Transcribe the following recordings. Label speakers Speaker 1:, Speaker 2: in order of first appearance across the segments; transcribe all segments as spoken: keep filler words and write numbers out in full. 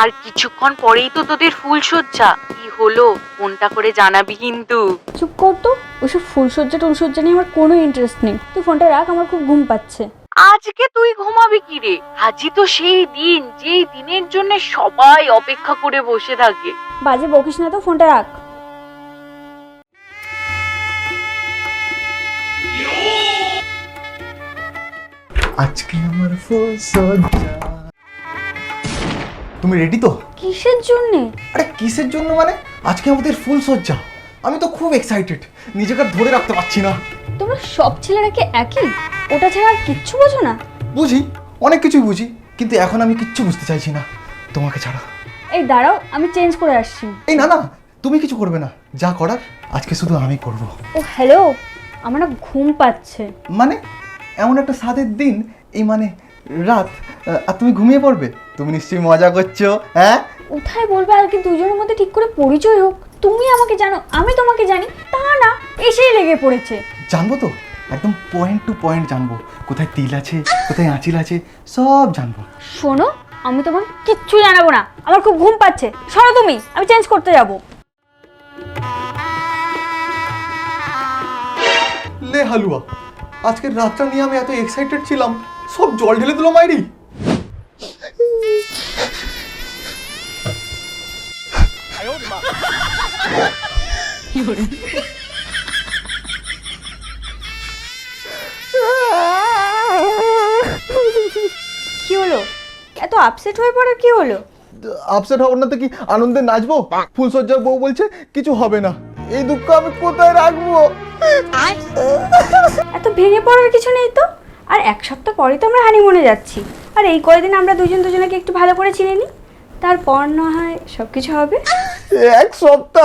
Speaker 1: আর কিছুক্ষণ পরেই তো তোদের ফুলসজ্জা। কি হলো ফোনটা করে জানাবি কিন্তু।
Speaker 2: চুপ কর তো, ওইসব ফুলসজ্জা টুলসজ্জা নিয়ে আমার কোনো ইন্টারেস্ট নেই। তুই ফোনটা রাখ, আমার খুব ঘুম পাচ্ছে।
Speaker 1: আজকে তুই ঘুমাবি কি রে? আজই তো সেই দিন যেই দিনের জন্য সবাই অপেক্ষা করে বসে থাকে।
Speaker 2: বাজে বকিস না তো, ফোনটা রাখ।
Speaker 3: আজকে আমার ফুলসজ্জা। তুমি রেডি তো?
Speaker 2: কিসের জন্যে?
Speaker 3: আরে কিসের জন্য মানে, আজকে আমাদের ফুলসজ্জা। আমি তো খুব এক্সাইটেড, নিজেকে আর ধরে রাখতে পারছি না।
Speaker 2: তোমরা সব ছেলেরা কি একই? ওটা ছাড়া আর কিচ্ছু বোঝো না?
Speaker 3: বুঝি, অনেক কিছুই বুঝি, কিন্তু এখন আমি কিচ্ছু বুঝতে চাইছি না তোমাকে ছাড়া।
Speaker 2: এই দাঁড়াও, আমি চেঞ্জ করে আসছি।
Speaker 3: এই না না, তুমি কিছু করবে না, যা করার আজকে শুধু আমি করব।
Speaker 2: ও হ্যালো, আমার না ঘুম পাচ্ছে।
Speaker 3: মানে এমন একটা সাদের দিন, এই মানে রাত, আর তুমি ঘুমিয়ে পড়বে? তুমি নিশ্চয়ই মজা করছো, হ্যাঁ?
Speaker 2: কোথায় বলবে আজকে দুজনের মধ্যে ঠিক করে পরিচয় হোক। তুমি আমাকে জানো, আমি তোমাকে জানি, তা না এসেই লেগে পড়েছে।
Speaker 3: জানবো তো, একদম পয়েন্ট টু পয়েন্ট জানবো, কোথায় তিল আছে কোথায় আঁচিল আছে সব জানবো।
Speaker 2: শোনো, আমি তোমাকে কিচ্ছু জানাবো না, আমার খুব ঘুম পাচ্ছে। সরো তুমি, আমি চেঞ্জ করতে যাবো।
Speaker 3: লে হালুয়া, আজকের রাতটা নিয়ে আমি এত এক্সাইটেড ছিলাম, সব জল ঢেলে দিল মাইরি।
Speaker 2: কি হলো? এত আপসেট হয়ে পড়ে কি হলো?
Speaker 3: আপসেট হব না তো কি, আনন্দে নাচবো? ফুলসজ্জার বউ বলছে কিছু হবে না, এই দুঃখ আমি কোথায় রাখবো?
Speaker 2: এত ভেঙে পড়ার কিছু নেই তো। আর এক সপ্তাহ পরে তো আমরা হানিমুনে যাচ্ছি। আর এই কয়দিন আমরা দুজন দুজনকে একটু ভালো করে চিনে নিই, তারপর না হয় সব কিছু হবে।
Speaker 3: এক সপ্তাহ?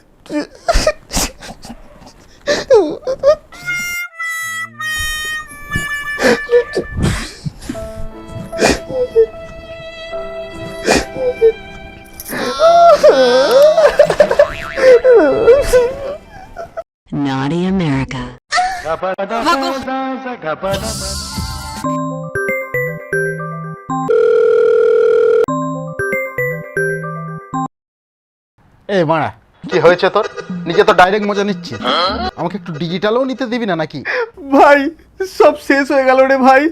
Speaker 4: Naughty America.
Speaker 5: এই মারা, কি হয়েছে তোর? নিজে তো ডাইরেক্ট মজা নিচ্ছিস, আমাকে একটু ডিজিটালও নিতে দিবি না নাকি?
Speaker 3: ভাই সব শেষ হয়ে গেল রে ভাই।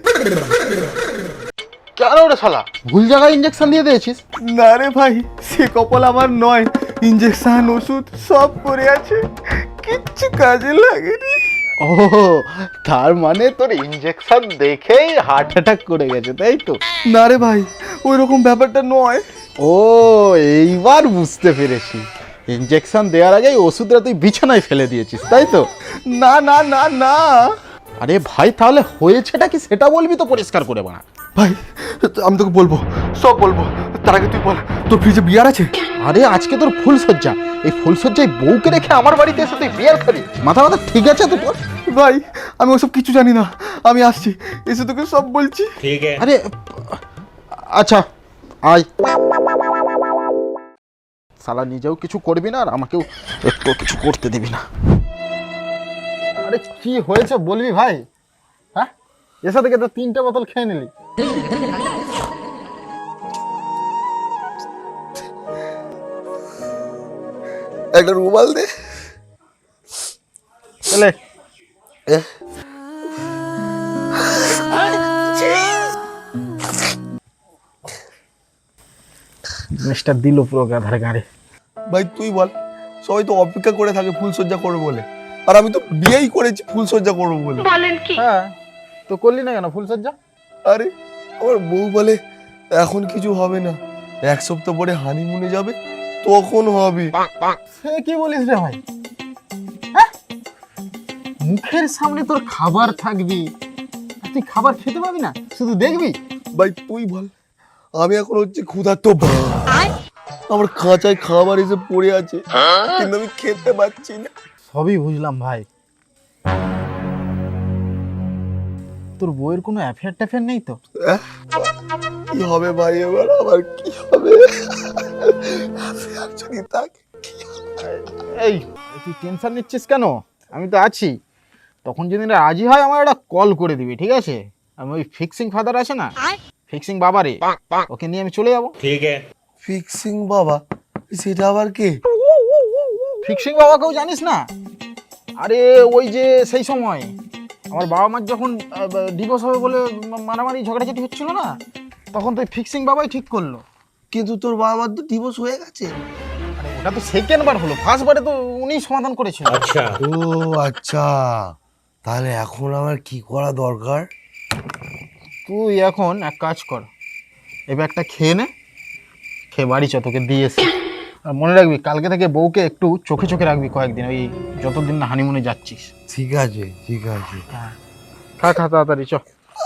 Speaker 5: কেন রে শালা, ভুল জায়গায় ইঞ্জেকশন দিয়ে দিয়েছিস?
Speaker 3: না রে ভাই, সে কপাল আমার নয়, ইঞ্জেকশন ওষুধ সব পড়ে আছে, কিচ্ছু কাজে লাগেনি।
Speaker 5: ও, তার মানে তোর ইঞ্জেকশন দেখেই হার্ট অ্যাটাক করে গেছে, তাই তো?
Speaker 3: না রে ভাই, ওই রকম ব্যাপারটা নয়।
Speaker 5: ও, এইবার বুঝতে পেরেছি, ইঞ্জেকশন দেওয়ার আগেই ওষুধটা তুই বিছানায় ফেলে দিয়েছিস, তাই তো?
Speaker 3: না না না না
Speaker 5: আরে ভাই, তাহলে হয়েছেটা কি সেটা বলবি তো পরিষ্কার করে বানা।
Speaker 3: ভাই, আমি তোকে বলবো, সব বলবো, তার আগে তুই বল, তোর ফ্রিজে বিয়ার আছে?
Speaker 5: আরে আজকে তোর ফুলসজ্জা, এই ফুলসজ্জায় বউকে রেখে আমার বাড়িতে এসে তুই বিয়ার খাবি? মাথা মাথা ঠিক আছে তো তোর?
Speaker 3: ভাই আমি ওসব কিছু জানি না, আমি আসছি, এসে তোকে সব বলছি।
Speaker 5: আরে আচ্ছা আয়। শালা নিজেও কিছু করবি না আর আমাকেও একটু কিছু করতে দিবি না। আরে কি হয়েছে বলবি ভাই? হ্যাঁ, এসে থেকে তো তিনটে বোতল খেয়ে নিলি।
Speaker 3: একটা রুমাল দে।
Speaker 5: চলে মিস্টার দিল পুরো গাধার গাড়ি।
Speaker 3: ভাই তুই বল, সবাই তো অপেক্ষা করে থাকে ফুলসজ্জা করবো বলে, আর আমি তো বিয়েই করেছি ফুলসজ্জা করবো বলে।
Speaker 1: বলেন কি?
Speaker 5: হ্যাঁ, তো করলি না কেন ফুলসজ্জা?
Speaker 3: আরে আমার বউ বলে এখন কিছু হবে না, এক সপ্তাহ পরে হানিমুনে যাবে, তখন হবে।
Speaker 5: সে কি বলিস রে ভাই? হ্যাঁ? মুখের সামনে তোর খাবার থাকবি, আর তুই খাবার খেতে পাবি না, শুধু দেখবি?
Speaker 3: ভাই তুই বল, আমি এখন হচ্ছে ক্ষুধার্ত, আমার খাঁচায় খাবার এসে পড়ে আছে, কিন্তু আমি খেতে পাচ্ছি না।
Speaker 5: সবই বুঝলাম ভাই, তোর বউয়ের কোনো অ্যাফেয়ার ট্যাফেয়ার নেই তো?
Speaker 3: আহ, কি হবে ভাই এবার, আবার কি হবে? যদি থাকে।
Speaker 5: এই তুই টেনশন নিচ্ছিস কেন? আমি তো আছি, তখন যদি রাজি হয় আমার একটা কল করে দিবি, ঠিক আছে? আমি ওই ফিক্সিং ফাদার আছে না, ফিক্সিং বাবারে, ওকে নিয়ে আমি চলে যাবো।
Speaker 6: ठीक है।
Speaker 3: ফিক্সিং বাবা, সেটা আবার কে?
Speaker 5: ফিক্সিং বাবাকেও জানিস না? আরে ওই যে সেই সময় আমার বাবা মার যখন ডিভোর্স হবে বলে মা- মারামারি ঝগড়াঝাটি হচ্ছিল না, তখন তো এই ফিক্সিং বাবাই ঠিক করলো।
Speaker 3: কিন্তু তোর বাবা মার তো ডিভোর্স হয়ে গেছে।
Speaker 5: আরে ওটা তো সেকেন্ড বার হলো, ফার্স্ট বারে তো উনিই সমাধান করেছিল।
Speaker 3: ও আচ্ছা, তাহলে এখন আমার কি করা দরকার?
Speaker 5: তুই এখন এক কাজ কর, এবার একটা খেয়ে নে, খেয়ে বাড়ি চ, তোকে দিয়েছি। আর মনে রাখবি কালকে থেকে বউকে একটু চোখে চোখে রাখবি কয়েকদিন, ওই যতদিন না হানিমুনে যাচ্ছিস।
Speaker 3: ঠিক আছে ঠিক আছে।
Speaker 5: খা খা তাড়াতাড়ি চ।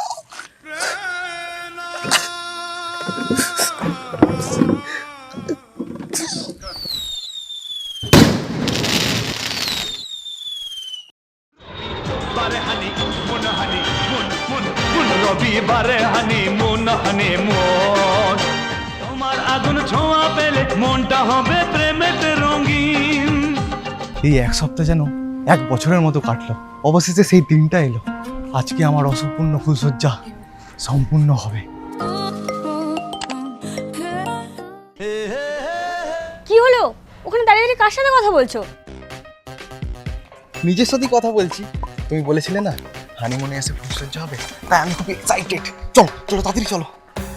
Speaker 6: বারে হানি মন হানি মন মন মন রবিবারে হানি মন হানি মন তোমার আগুন ছোঁয়া পেলে মনটা হবে প্রেমেতে রঙিন।
Speaker 7: এই এক সপ্তাহ যেন এক বছরের মতো কাটলো, অবশেষে সেই দিনটা এলো। আজকে আমার অসম্পূর্ণ ফুলসজ্জা সম্পূর্ণ হবে।
Speaker 2: কি হলো? ওখানে দাঁড়িয়ে দাঁড়িয়ে কার সাথে কথা বলছো?
Speaker 7: নিজের সাথেই কথা বলছি। তুমি বলেছিলে না হানিমুনে এসে ফুলসজ্জা হবে, তাই আমি খুব এক্সাইটেড। চলো চলো তাড়াতাড়ি চলো।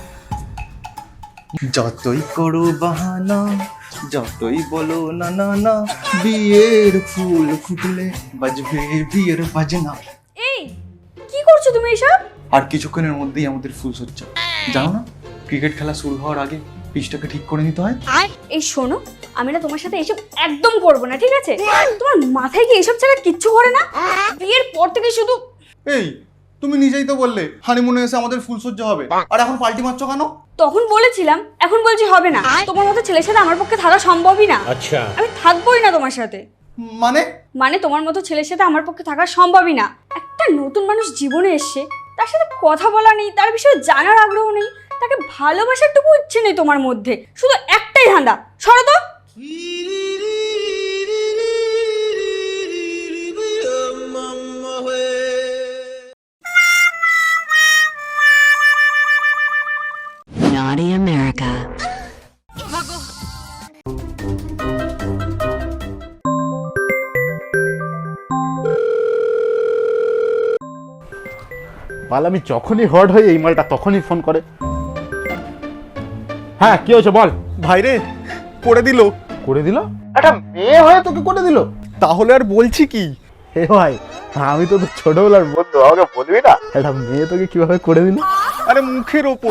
Speaker 7: যতই করো বাহানা, যতই বলো না না না, বিয়ের ফুল ফুটলে বাজবে বিয়ের বাজনা।
Speaker 2: এই কি করছো তুমি এসব?
Speaker 7: আর কিছুক্ষণের মধ্যেই আমাদের ফুলসজ্জা। জানো না ক্রিকেট খেলা শুরু হওয়ার আগে পিচটাকে ঠিক করে নিতে হয়।
Speaker 2: এই শোনো, আমি না তোমার সাথে এসব একদম করবো না, ঠিক আছে? তোমার মাথায় কি এসব ছাড়া কিচ্ছু করে না? বিয়ের পর থেকে শুধু
Speaker 7: এই তুমি নিজেই তো বললে হানিমুনে এসে আমাদের ফুলসজ্জা হবে, আর এখন পাল্টি মারছো কেন?
Speaker 2: তখন বলেছিলাম, এখন বলছি হবে না। তোমার মতো ছেলের সাথে আমার পক্ষে থাকা সম্ভবই না। আচ্ছা, আমি থাকবোই না তোমার সাথে।
Speaker 7: মানে
Speaker 2: মানে তোমার মতো ছেলের সাথে আমার পক্ষে থাকা সম্ভবই না। একটা নতুন মানুষ জীবনে এসছে, তার সাথে কথা বলা নেই, তার বিষয়ে জানার আগ্রহ নেই, তাকে ভালোবাসার টুকু ইচ্ছে নেই তোমার মধ্যে, শুধু একটাই ধান্দা। সরো তো।
Speaker 4: Naughty America.
Speaker 5: মাল আমি যখনই হট হই এই মালটা তখনই ফোন করে। হ্যাঁ কি হয়েছে বল।
Speaker 7: ভাইরে করে দিল।
Speaker 5: করে দিল? একটা মেয়ে হয়ে তোকে করে দিল?
Speaker 7: তাহলে আর বলছি কি?
Speaker 5: হে ভাই, আমি তো তোর ছোটবেলার বন্ধু, আমাকে বলবি না একটা মেয়ে তোকে কিভাবে করে দিল?
Speaker 7: আরে মুখের ওপর।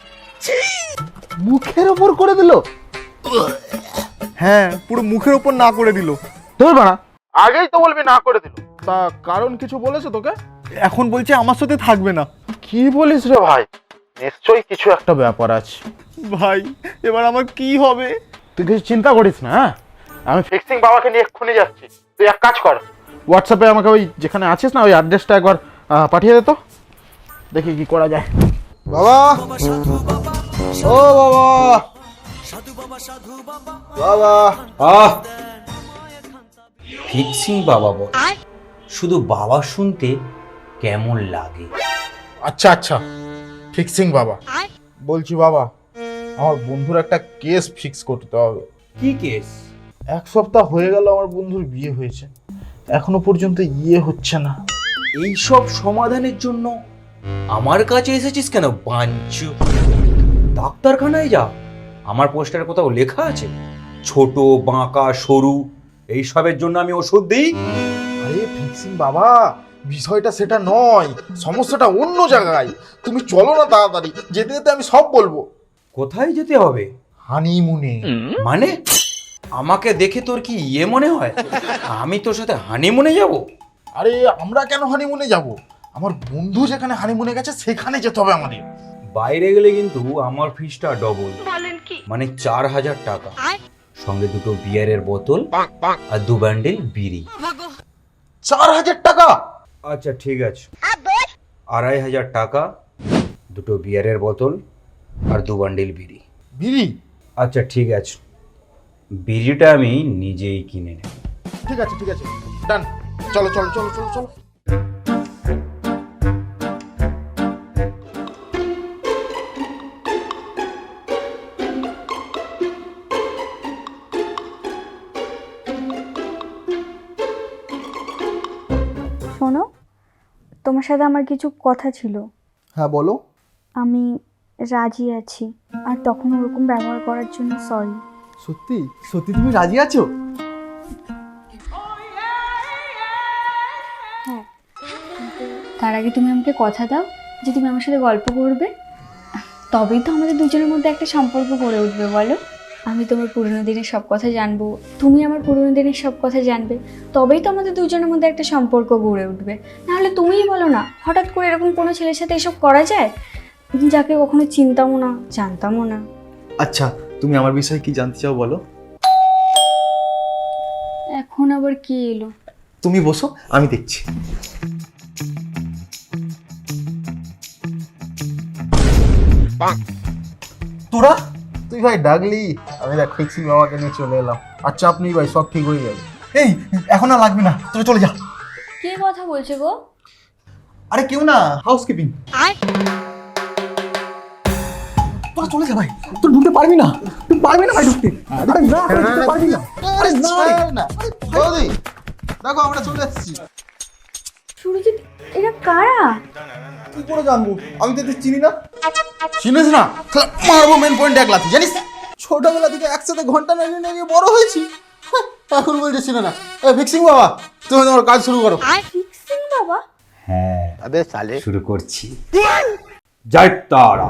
Speaker 5: মুখের ওপর করে দিল?
Speaker 7: হ্যাঁ পুরো মুখের ওপর না করে দিল।
Speaker 5: তোর বাড়া আগেই তো বলবি না করে দিল। তা কারণ কিছু বলেছে তোকে?
Speaker 7: এখন বলছে আমার সাথে থাকবে না।
Speaker 5: কি বলিস রে ভাই? নিশ্চয়ই কিছু একটা ব্যাপার আছে।
Speaker 7: ভাই এবার আমার কি হবে?
Speaker 5: তুই কিছু চিন্তা করিস না, হ্যাঁ? আমি ফিক্সিং বাবাকে নিয়ে এক্ষুনি যাচ্ছি। তুই এক কাজ কর, হোয়াটসঅ্যাপে আমাকে ওই যেখানে আছিস না ওই অ্যাড্রেসটা একবার আহ, পাঠিয়ে দে তো, দেখি কি করা যায়।
Speaker 3: বাবা, ও বাবা, বাবা।
Speaker 8: আহ ফিক্সিং বাবা বল, শুধু বাবা শুনতে কেমন লাগে।
Speaker 5: আচ্ছা আচ্ছা, ফিক্সিং বাবা বলছি। বাবা, আমার বন্ধুর একটা কেস ফিক্স করতে হবে।
Speaker 8: কি কেস?
Speaker 5: এক সপ্তাহ হয়ে গেল আমার বন্ধুর বিয়ে হয়েছে, এখনো পর্যন্ত ইয়ে হচ্ছে না।
Speaker 8: এইসব সমাধানের জন্য আমার কাছে এসেছিস কেন বাঞ্চু? ডাক্তারখানায় যা, আমার পোস্টারে কোথাও লেখা আছে ছোট বাঁকা সরু এইসবের জন্য আমি ওষুধ দিই?
Speaker 5: আরে ফিক্সিং বাবা, বিষয়টা সেটা নয়, সমস্যাটা অন্য জায়গায়। তুমি চলো না তাড়াতাড়ি, যেতে যেতে আমি সব বলবো।
Speaker 8: কোথায় যেতে হবে?
Speaker 5: হানিমুনে।
Speaker 8: মানে আমাকে দেখে তোর কি ইয়ে মনে হয় আমি তোর সাথে হানিমুনে যাব?
Speaker 5: আরে আমরা কেন হানিমুনে যাব? আমার বন্ধু যেখানে হানিমুনে গেছে সেখানে যেতে হবে আমাদের।
Speaker 8: বাইরে গেলে কিন্তু আমার ফিসটা ডবল, মানে চার হাজার টাকা, সঙ্গে দুটো বিয়ারের বোতল আর দু বান্ডিল বিড়ি।
Speaker 5: চার হাজার টাকা?
Speaker 8: আচ্ছা ঠিক আছে, আড়াই হাজার টাকা, দুটো বিয়ারের বোতল আর দু বান্ডিল বিড়ি।
Speaker 5: বিড়ি?
Speaker 8: আচ্ছা ঠিক আছে, বিড়িটা আমি নিজেই কিনে নেব।
Speaker 5: ঠিক আছে ঠিক আছে, ডান। চলো চলো চলো চলো চলো।
Speaker 2: তোমার সাথে আমার কিছু কথা ছিল।
Speaker 3: হ্যাঁ বলো।
Speaker 2: আমি রাজি আছি, আর তখন ওরকম ব্যবহার করার জন্য সরি।
Speaker 3: সত্যি সত্যি তুমি রাজি আছো?
Speaker 2: হ্যাঁ, কিন্তু তার আগে তুমি আমাকে কথা দাও যে তুমি আমার সাথে গল্প করবে, তবেই তো আমাদের দুজনের মধ্যে একটা সম্পর্ক গড়ে উঠবে। বলো, আমি তোমার পুরনো দিনের সব কথা জানবো, তুমি আমার পুরনো দিনের সব কথা জানবে, তবেই তো আমাদের দুজনের মধ্যে একটা সম্পর্ক গড়ে উঠবে। নাহলে তুমিই বলো না, হঠাৎ করে এরকম কোনো ছেলের সাথে এসব করা যায়, যাকে কখনো চিনতামও না, জানতামও না।
Speaker 7: আচ্ছা, তুমি আমার বিষয়ে কি জানতে চাও বলো?
Speaker 2: এখন আবার কি এলো?
Speaker 7: তুমি বসো, আমি দেখছি।
Speaker 5: তোরা তুই ভাই ডাকলি, আমি দেখ ফিক্সিং বাবাকে নিয়ে চলে এলাম। আচ্ছা আপনি ভাই সব ঠিক হয়ে যাবে।
Speaker 7: এই এখন আর লাগবে না, তোরা চলে যা।
Speaker 2: কে কথা বলছে গো?
Speaker 7: আরে কেউ না, হাউসকিপিং। তোরা চলে যা ভাই, তুই ঢুকতে পারবি না, তুই পারবি না ভাই ঢুকতে। আরে না, ঢুকতে পারবি না। আরে না না বৌদি, দেখো আমরা চলে যাচ্ছি।
Speaker 2: সুরজিৎ, এরা কারা?
Speaker 7: কি করে জানবো, আমি তো এদের চিনি না। চিনিস না? তাহলে মারবো মেন পয়েন্ট এক লাথি, জানিস? ছোটবেলা থেকে একসাথে ঘন্টা নাড়িয়ে নাড়িয়ে বড় হয়েছি, হ্যাঁ, এখন বলছে চিনে না। এই ফিক্সিং বাবা, তুমি তোমার কাজ শুরু করো।
Speaker 2: ফিক্সিং বাবা?
Speaker 8: হ্যাঁ,
Speaker 3: আবে সালে
Speaker 8: শুরু করছি। জয় তারা।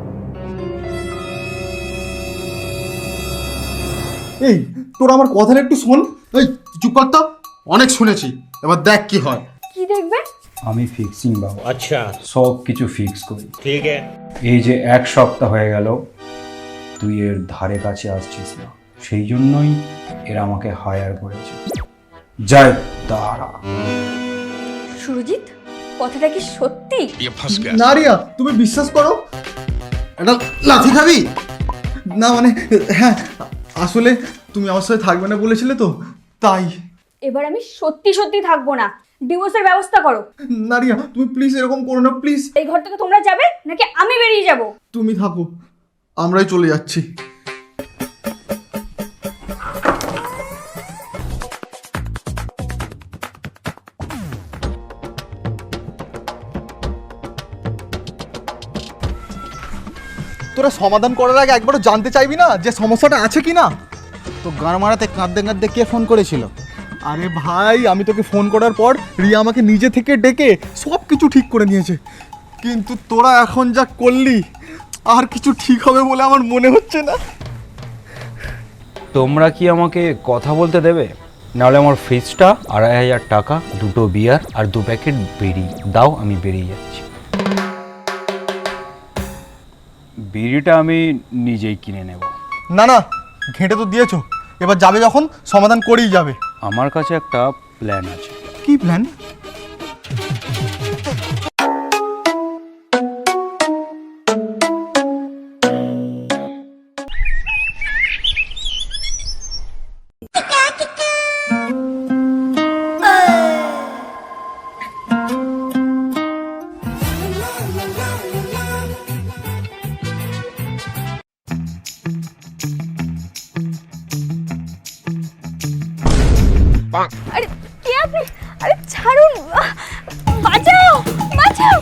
Speaker 7: এই তোরা আমার কথাটা একটু শোন। এই চুপ কর তো, অনেক শুনেছি, এবার দেখ কি হয়।
Speaker 2: কি দেখবে?
Speaker 9: আমি ফিক্সিং বাবু। আচ্ছা, সব কিছু ফিক্স করি। ঠিক আছে। এই যে এক সপ্তাহ হয়ে গেল তুই এর ধারে কাছে আসছিস না, সেই জন্যই এরা আমাকে হায়ার করেছে। জয় তারা।
Speaker 2: সুরজিৎ, কথাটা কি সত্যি?
Speaker 7: না রিয়া, তুমি বিশ্বাস করো। এটা লাথি খাবি না? মানে হ্যাঁ, আসলে তুমি আমার সাথে থাকবে না বলেছিলে তো, তাই।
Speaker 2: এবার আমি সত্যি সত্যি থাকবো না, ডিভোর্সের ব্যবস্থা করো।
Speaker 7: না রিয়া, তুমি প্লিজ এরকম করো না, প্লিজ।
Speaker 2: এই ঘর থেকে তোমরা যাবে নাকি আমি বেরিয়ে যাব?
Speaker 7: তুমি থাকো, আমরাই চলে যাচ্ছি। তোরা সমাধান করার আগে একবারও জানতে চাইবি না যে সমস্যাটা আছে কি না?
Speaker 5: তো গান মারাতে কাঁদতে কাঁদতে কে ফোন করেছিল?
Speaker 7: আরে ভাই, আমি তোকে ফোন করার পর রিয়া আমাকে নিজে থেকে ডেকে সব কিছু ঠিক করে নিয়েছে, কিন্তু তোরা এখন যা করলি আর কিছু ঠিক হবে বলে আমার মনে হচ্ছে না।
Speaker 9: তোমরা কি আমাকে কথা বলতে দেবে? নাহলে আমার ফিসটা আড়াই হাজার টাকা, দুটো বিয়ার আর দু প্যাকেট বিড়ি দাও, আমি বেরিয়ে যাচ্ছি। বিড়িটা আমি নিজেই কিনে নেব।
Speaker 7: না না, ঘেঁটে তো দিয়েছো, এবার যাবে যখন সমাধান করেই যাবে।
Speaker 9: আমার কাছে একটা প্ল্যান আছে।
Speaker 7: কি প্ল্যান?
Speaker 2: আরে কে আপনি? আরে ছাড়ুন, বাঁচাও বাঁচাও।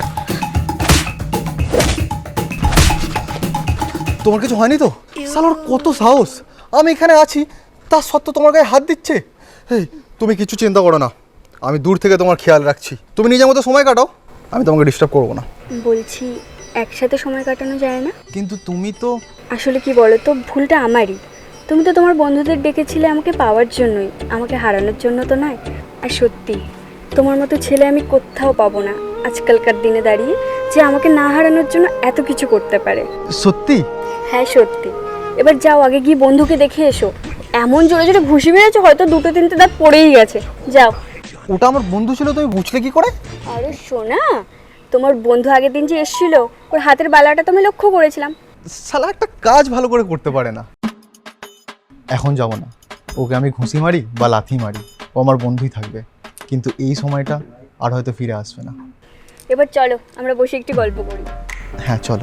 Speaker 3: তোমার কিছু হয়নি তো? শালার কত সাহস, আমি এখানে আছি তার সত্ত্বেও তোমার গায়ে হাত দিচ্ছে।
Speaker 7: এই তুমি কিছু চিন্তা করো না, আমি দূর থেকে তোমার খেয়াল রাখছি। তুমি নিজের মতো সময় কাটাও, আমি তোমাকে ডিস্টার্ব করবো না।
Speaker 2: বলছি, একসাথে সময় কাটানো যায় না?
Speaker 7: কিন্তু তুমি তো
Speaker 2: আসলে কি বলো তো, ভুলটা আমারই। তুমি তো তোমার বন্ধুদের ডেকেছিলে আমাকে পাওয়ার জন্যই, আমাকে হারানোর জন্য তো নয়। আর সত্যি, তোমার মতো ছেলে আমি কোথাও পাবো না আজকালকার দিনে দাঁড়িয়ে, যে আমাকে না হারানোর জন্য এত কিছু করতে পারে।
Speaker 7: সত্যি?
Speaker 2: হ্যাঁ সত্যি। এবার যাও, আগে গিয়ে বন্ধুকে দেখে এসো। এমন জোরে জোরে ঘুষি মেরেছো, হয়তো দুটো তিনটে দাঁত পড়েই গেছে। যাও।
Speaker 7: ওটা আমার বন্ধু ছিল, তুমি বুঝলে কি করে?
Speaker 2: আরে শোনা, তোমার বন্ধু আগের দিন যে এসেছিল, ওর হাতের বালাটা তো আমি লক্ষ্য করেছিলাম।
Speaker 7: শালা একটা কাজ ভালো করে করতে পারে না। এখন যাব না, ওকে আমি ঘুষি মারি বা লাথি মারি, ও আমার বন্ধুই থাকবে, কিন্তু এই সময়টা আর হয়তো ফিরে আসবে না।
Speaker 2: এবার চলো, আমরা বসে একটি গল্প করি।
Speaker 7: হ্যাঁ চলো।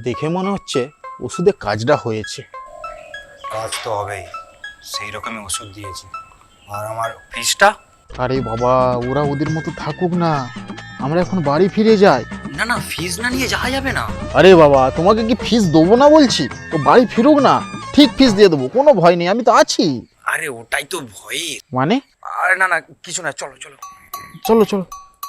Speaker 5: দেখে মনে হচ্ছে ওষুধে কাজটা হয়েছে।
Speaker 9: কাজ তো হবেই, সেই রকমই ওষুধ দিয়েছি। আর আমার ফিসটা?
Speaker 5: আরে বাবা, ওরা ওদের মতো থাকুক না, আমরা এখন বাড়ি ফিরে যাই।
Speaker 9: না না, ফিস না নিয়ে যাওয়া যাবে না।
Speaker 5: আরে বাবা, তোমাকে কি ফিস দেবো না বলছি? তো বাড়ি ফিরুক না, ঠিক ফিস দিয়ে দেবো, কোনো ভয় নেই, আমি তো আছি।
Speaker 9: আরে ওটাই তো ভয়ে।
Speaker 5: মানে?
Speaker 9: আরে না না, কিছু না, চলো চলো
Speaker 5: চলো চলো।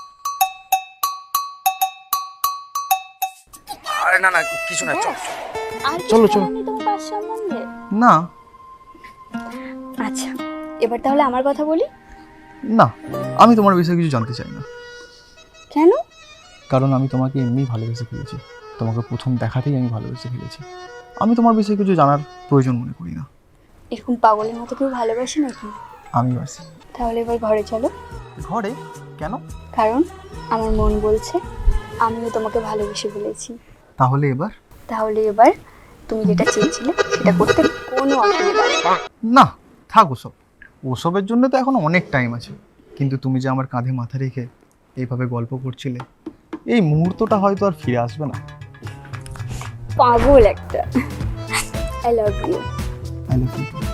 Speaker 9: আরে না না, কিছু না, চলো
Speaker 2: আর
Speaker 5: চলো, চলো।
Speaker 2: তোমার পাশ সম্বন্ধে?
Speaker 7: না
Speaker 2: আচ্ছা, এবার তাহলে আমার কথা বলি।
Speaker 7: না, আমি তোমার বিষয়ে কিছু জানতে চাই না,
Speaker 2: কেন?
Speaker 7: কারণ আমি তোমাকে এমনিই ভালোবেসে ফেলেছি। তোমাকে প্রথম দেখাতেই আমি ভালোবেসে ফেলেছি। আমি তোমার বিষয়ে কিছু জানার প্রয়োজন মনে করি না।
Speaker 2: এরকম পাগলের মতো কেউ ভালোবাসে নাকি?
Speaker 7: আমি বাসি।
Speaker 2: তাহলে এবার ঘরে চলো।
Speaker 7: ঘরে? কেন?
Speaker 2: কারণ আমার মন বলছে আমিও তোমাকে ভালোবেসে ফেলেছি।
Speaker 7: তাহলে এবার?
Speaker 2: তাহলে এবার তুমি যেটা চেয়েছিলে সেটা করতে কোনো অসুবিধা নেই।
Speaker 7: না, থাক ওসব। ওসবের জন্য তো এখন অনেক টাইম আছে। কিন্তু তুমি যে আমার কাঁধে মাথা রেখে এইভাবে গল্প করছিলে, এই মুহূর্তটা হয়তো আর ফিরে আসবে না।
Speaker 2: পাগল একটা। I love you.
Speaker 7: I love you.